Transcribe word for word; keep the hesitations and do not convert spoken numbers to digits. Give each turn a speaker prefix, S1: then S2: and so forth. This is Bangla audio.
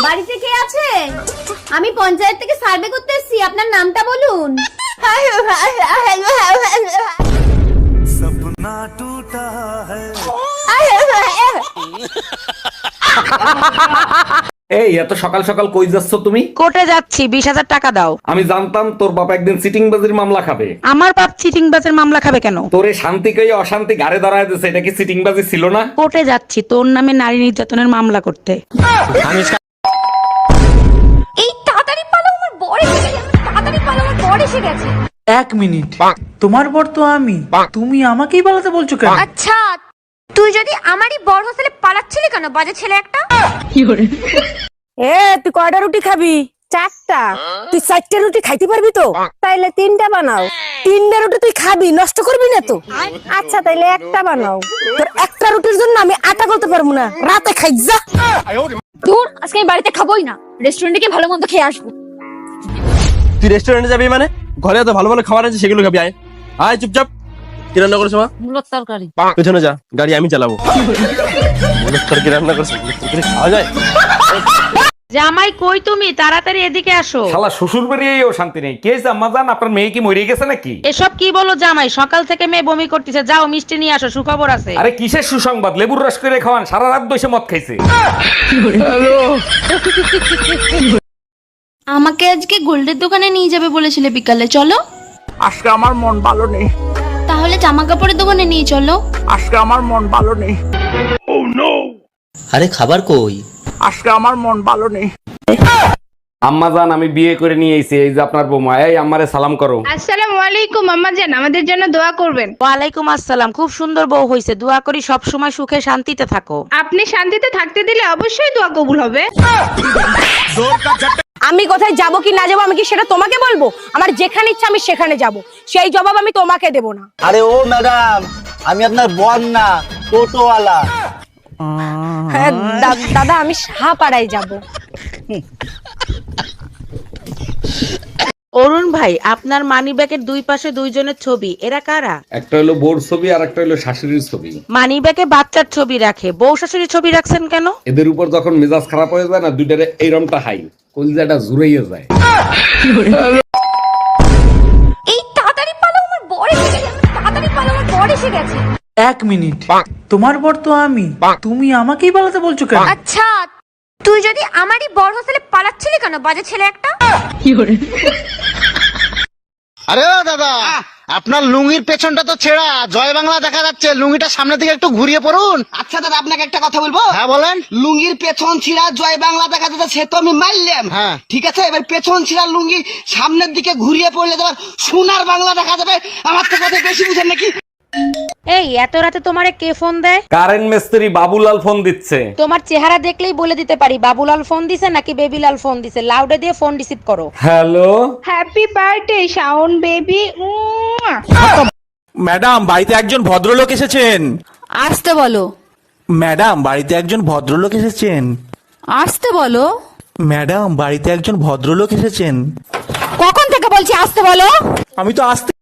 S1: বাড়িতে কে আছে? আমি পঞ্চায়েত থেকে সার্ভে করতে এসেছি, আপনার নামটা বলুন।
S2: सपना टूटा है।
S3: এই এত সকাল সকাল কই যাচ্ছ তুমি?
S4: কোর্টে যাচ্ছি, বিশ হাজার টাকা দাও।
S3: আমি জানতাম তোর বাপ একদিন সিটিং বাজির মামলা খাবে।
S4: আমার বাপ চিটিং বাজের মামলা খাবে কেন?
S3: তোরে শান্তি কই অশান্তি গাড়ে দাঁড়ায় দিছে, এটা কি সিটিং বাজি ছিল না?
S4: কোর্টে যাচ্ছি তোর নামে নারী নির্যাতনের মামলা করতে।
S1: এই তাড়াতাড়ি পালো, আমার বর এসে গেছে। তাড়াতাড়ি পালো, আমার বর এসে গেছে।
S5: এক মিনিট, তোমার বর তো আমি, তুমি আমাকেই পালাতে বলছো কেন?
S1: আচ্ছা, তুই যদি আমারই বর হোস্টেলে পালাচ্ছিলি কেন, বাজে ছেলে একটা?
S6: এ তুই কয়টা রুটি খাবি? চারটা। তুই চারটা রুটি খাইতে পারবি তো? তাইলে তিনটা বানাও। তিনটা রুটি তুই খাবি, নষ্ট করবি না তো? আচ্ছা তাইলে একটা বানাও। তোর একটা রুটির জন্য আমি আটা করতে পারবো না, রাতে খাই যা।
S1: দূর, আজকে আমি বাড়িতে খাবোই না, রেস্টুরেন্টে গিয়ে ভালো মন্দ খেয়ে আসবো।
S7: তুই রেস্টুরেন্টে যাবি মানে? ঘরে এত ভালো ভালো খাবার আছে, সেগুলো খাবি। আয় আয় চুপচাপ। কি রান্না করেছো মা?
S4: মূলত তরকারি।
S7: পেছনে যা, গাড়ি আমি চালাবো। মূলত তরকারি রান্না করছো, মূলত তরকারি খাওয়া যায়?
S4: জামাই কই তুমি? তাড়াতাড়ি এদিকে আসো।
S3: শালা শ্বশুর বাড়িয়েও শান্তি নেই। কে আম্মা জান, আপনার মেয়ে কি মরে গেছে নাকি?
S4: এসব কি বলো জামাই? সকাল থেকে মেয়ে বমি করতেছে, যাও মিষ্টি নিয়ে আসো, সুখবর আছে।
S3: আরে কিসের সুসংবাদ? লেবুর রস করে খাওয়ান, সারা রাত বসে মদ খাইছে।
S8: আমাকে আজকে গোল্ডের দোকানে নিয়ে যাবে বলেছিলে বিকালে, চলো।
S5: আজকে আমার মন ভালো নেই।
S8: তাহলে জামা কাপড়ের দোকানে নিয়ে চলো।
S5: আজকে আমার মন ভালো নেই।
S9: আরে খাবার কই?
S5: আজকে আমার মন ভালো নেই।
S3: আম্মা জান, আমি বিয়ে করে নিয়ে এসেছি, এই যে আপনার বৌমা। এই আম্মারে সালাম করো।
S6: আসসালামু আলাইকুম আম্মা জান, আমাদের জন্য দোয়া করবেন।
S4: ওয়ালাইকুম আসসালাম। খুব সুন্দর বউ হইছে, দোয়া করি সব সময় সুখে শান্তিতে থাকো।
S6: আপনি শান্তিতে থাকতে দিলে অবশ্যই দোয়া কবুল হবে। আমি কোথায় যাব কি না যাবো আমি কি সেটা তোমাকে বলবো? আমার যেখানে ইচ্ছা আমি সেখানে যাব, সেই জবাব আমি তোমাকে দেব না।
S9: আরে ও ম্যাডাম, আমি আপনার বর না, টোটোওয়ালা।
S6: হ্যাঁ, দা- দাদা আমি সাহাপাড়ায় যাব।
S4: অরুণ ভাই, আপনার মানি ব্যাগের দুই পাশে দুইজনের ছবি, এরা কারা?
S3: একটা হলো বোর ছবি আর একটা হলো শাশুড়ির ছবি।
S4: মানি ব্যাগে বাচ্চার ছবি রাখে, বউ শাশুড়ির ছবি রাখছেন কেন?
S3: এদের উপর যখন মেজাজ খারাপ হয়ে যায় না, দুইটারে এইরমটা হাই কলিজাটা জুড়াইয়া যায়।
S1: এই তাড়াতাড়ি পালো, আমার বর এসে গেছে। তাড়াতাড়ি পালো, আমার বর এসে গেছে।
S5: এক মিনিট, তোমার বর তো আমি, তুমি আমাকেই পালাতে বলছো কেন?
S1: আচ্ছা, তুই যদি আমারই বর হোস্টেলে পালাচ্ছিলি কেন, বাজে ছেলে একটা?
S10: আরে ও দাদা, আপনার লুঙ্গির পেছনটা তো ছেঁড়া, জয় বাংলা দেখা যাচ্ছে। লুঙ্গিটা সামনের দিকে একটু ঘুরিয়ে পড়ুন। আচ্ছা দাদা, আপনাকে একটা কথা বলবো। হ্যাঁ বলেন। লুঙ্গির পেছন ছিঁড়া, জয় বাংলা দেখা যাচ্ছে, সে তো আমি মারলাম। হ্যাঁ ঠিক আছে, এবার পেছন ছিঁড়া লুঙ্গি সামনের দিকে ঘুরিয়ে পড়লে তোমার সোনার বাংলা দেখা যাবে। আমার তো কথা বেশি বুঝেন নাকি?
S4: এই এত রাতে তোমারে কে ফোন দেয়?
S3: কারেন্ট মিস্ত্রি বাবুলাল ফোন দিচ্ছে।
S4: তোমার চেহারা দেখলেই বলে দিতে পারি বাবুলাল ফোন দিছে নাকি বেবিলাল ফোন দিছে। লাউডে দিয়ে ফোন রিসিভ করো।
S3: Hello,
S6: happy birthday Shaon baby.
S7: Madam, বাড়িতে একজন ভদ্রলোক এসেছেন।
S8: আসতে বলো।
S7: ম্যাডাম, বাড়িতে একজন ভদ্রলোক এসেছেন।
S8: আসতে বলো।
S7: ম্যাডাম, বাড়িতে একজন ভদ্রলোক এসেছেন।
S8: কখন থেকে বলছি আসতে বলো?
S7: আমি তো আসতে